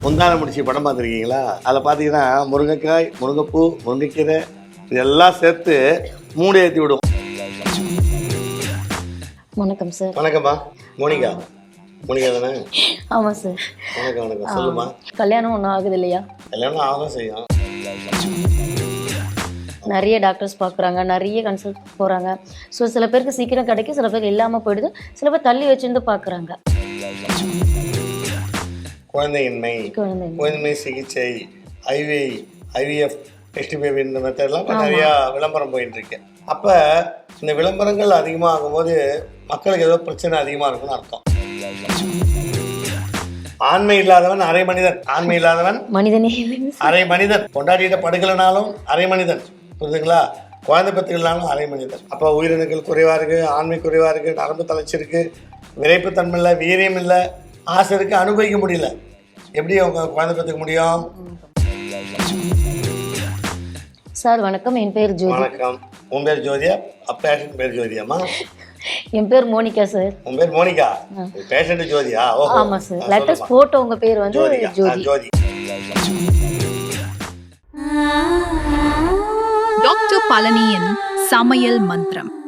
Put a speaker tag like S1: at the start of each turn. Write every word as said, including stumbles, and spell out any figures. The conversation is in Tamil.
S1: முந்தான முடிச்சு படம் பார்த்துருக்கீங்களா? அதில் பார்த்தீங்கன்னா முருங்கைக்காய், முருங்கைப்பூ, முருங்கைக்கீரை இதெல்லாம் சேர்த்து மூடி ஏற்றி விடும்.
S2: வணக்கம் சார்.
S1: வணக்கம்மா. மோனிகா மோனிகா தானே?
S2: ஆமாம் சார்.
S1: வணக்கம் வணக்கம். சொல்லுமா.
S2: கல்யாணம் ஒன்றும் ஆகுது இல்லையா?
S1: கல்யாணம் ஆகும் செய்யும்.
S2: நிறைய டாக்டர்ஸ் பார்க்குறாங்க, நிறைய கன்சல்ட் போகிறாங்க. ஸோ சில பேருக்கு சீக்கிரம் கிடைக்கும், சில பேருக்கு இல்லாமல் போயிடுது, சில பேர் தள்ளி வச்சுருந்து பார்க்குறாங்க.
S1: குழந்தையின்மை,
S2: குழந்தை
S1: குழந்தைமை சிகிச்சை, ஐவி ஐவிஎஃப் டெஸ்ட் பேபி இந்த மெத்தட்லாம் இப்போ நிறையா விளம்பரம் போயிட்டு இருக்கு. அப்போ இந்த விளம்பரங்கள் அதிகமாக ஆகும்போது மக்களுக்கு ஏதோ பிரச்சனை அதிகமாக இருக்குன்னு அர்த்தம். ஆண்மை இல்லாதவன் அரை மனிதன், ஆண்மை இல்லாதவன்
S2: மனிதனே
S1: அரை மனிதன். கொண்டாடிட்ட படுக்கலனாலும் அரை மனிதன், புரியுதுங்களா? குழந்தை பெற்றுக்கலனாலும் அரை மனிதன். அப்போ உயிரினங்கள் குறைவாக இருக்குது, ஆண்மை குறைவாக இருக்குது, நரம்பு தளர்ச்சி இருக்குது, விரைப்புத்தன்மை இல்லை, வீரியம் இல்லை, ஆசை இருக்குது, அனுபவிக்க முடியல. எப்படி அவங்க குழந்தை பெற்றுக்க முடியும்?
S2: சார் வணக்கம், என் பேர் ஜோதி.
S1: வணக்கம். உன் பேர் ஜோதியா? பேஷண்ட் பேர் ஜோதியாம்மா?
S2: என் பேர் மோனிகா சார்.
S1: உன் பேர் மோனிகா, பேஷண்ட் ஜோதியா? ஓஹோ.
S2: ஆமாம் சார். லெட்டஸ்ட் ஃபோட்டோ உங்கள் பேர் வந்து ஜோதி.
S1: ஜோதி.
S3: டாக்டர் பழனியின் சமையல் மந்திரம்.